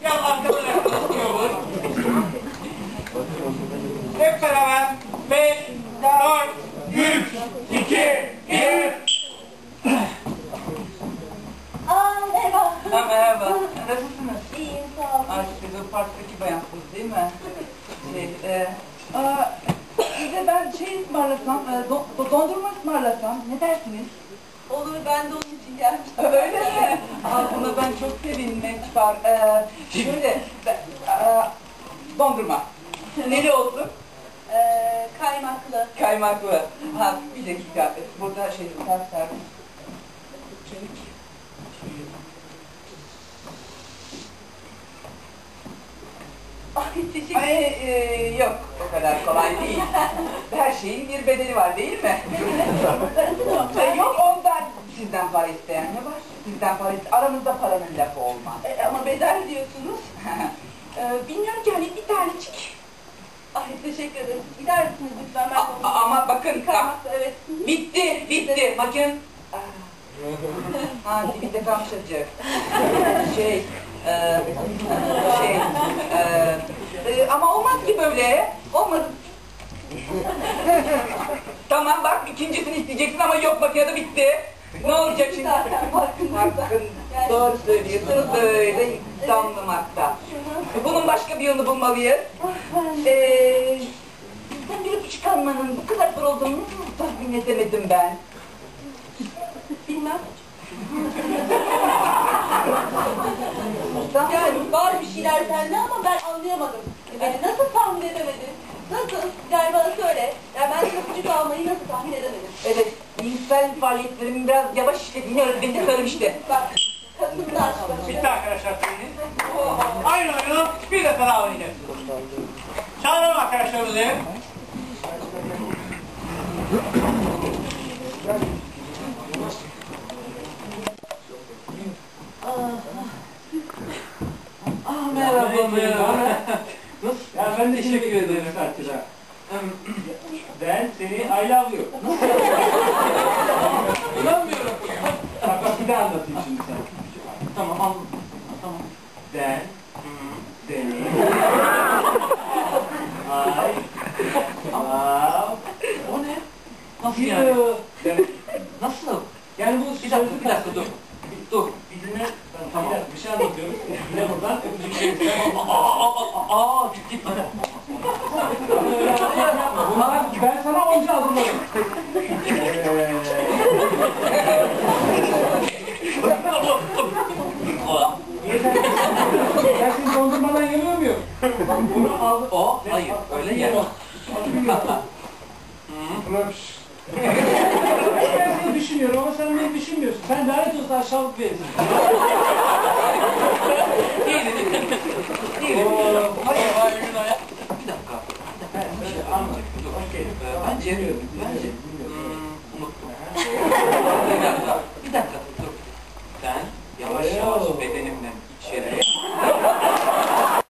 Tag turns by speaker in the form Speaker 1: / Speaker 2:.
Speaker 1: Gel arkadan yaklaşıyoruz. Hep beraber 5, 4, 3, 2, 1.
Speaker 2: Merhaba.
Speaker 3: Merhaba. Nasılsınız?
Speaker 2: İyiyim, sağ olun.
Speaker 3: Siz o parktaki bayansınız değil mi? Size ben ısmarlasam, dondurma ısmarlasam, ne dersiniz?
Speaker 2: Olur, ben de onun için gelmiştim.
Speaker 3: Öyle mi? Buna ben çok sevinmek var. Şöyle, dondurma. Neli olsun?
Speaker 2: Kaymaklı.
Speaker 3: Kaymaklı. Ha, bir dakika. Burada servis.
Speaker 2: Ay, teşekkür ederim.
Speaker 3: Yok, o kadar kolay değil. Her şeyin bir bedeli var değil mi? Yok ondan. Sizden para isteyen ne var? Sizden para isteyen, aramızda paranın lafı olmaz.
Speaker 2: Ama bedel diyorsunuz.
Speaker 3: Bilmiyorum ki hani bir tanecik.
Speaker 2: Ay, teşekkür ederim. Gider misiniz lütfen? Ben
Speaker 3: Ama bakın, bak.
Speaker 2: Kaymaklı, evet.
Speaker 3: Bitti. Bakın. Ha, dibinde kalmış acı. Ama olmaz ki böyle. Olmaz. Tamam bak, ikincisini isteyeceksin ama yok makinede bitti. Ne olacak şimdi?
Speaker 2: Zaten farkındayım.
Speaker 3: Doğru söylüyorsunuz, böyle damlamakta. Bunun başka bir yolunu bulmalıyız. Sizden bir çıkarmanın bu kadar zor olduğunu tahmin edemedim ben.
Speaker 2: Bilmem.
Speaker 3: Yani
Speaker 2: Yani var bir şeyler sende ama ben anlayamadım. Beni nasıl tahmin edemedin? Nasıl? Gel bana söyle. Ya ben kapıcı kalmayı nasıl tahmin edemedim?
Speaker 3: evet, cinsel faaliyetlerimin biraz yavaş işlediğini öğretmenine söylemişti.
Speaker 2: Bak, kadınlar.
Speaker 1: Bitti arkadaşlar seriniz. Aynı oyunu bir defa daha oynayacağız. Çağıralım arkadaşlarımızı.
Speaker 3: Merhaba.
Speaker 1: Ya ben de teşekkür ederim Fatih'e. Ben seni I love you. İnanmıyorum. Bak bir daha anlatayım şimdi sana. Tamam anladım. Tamam. Ben seni
Speaker 3: O ne? Nasıl
Speaker 1: you.
Speaker 3: yani?
Speaker 1: Demek.
Speaker 3: Nasıl?
Speaker 1: Yani bu
Speaker 3: Bir dakika dur. Dur.
Speaker 1: Bir dinle. Tamam. Bir şey anlatıyorum. Dinle buradan. Öpücük şey.
Speaker 3: Ciddi.
Speaker 1: Bunlar ben sana onca hazırladım. Ben şimdi dondurmadan yemiyor muyum? Bunu aldım.
Speaker 3: Hayır, öyle yer.
Speaker 1: Ben seni düşünüyorum ama sen beni düşünmüyorsun. Sen lanet olsun aşağılık bir herifsin.
Speaker 3: Değilim. Hayır, bir dakika.
Speaker 1: Anladım.
Speaker 3: Bence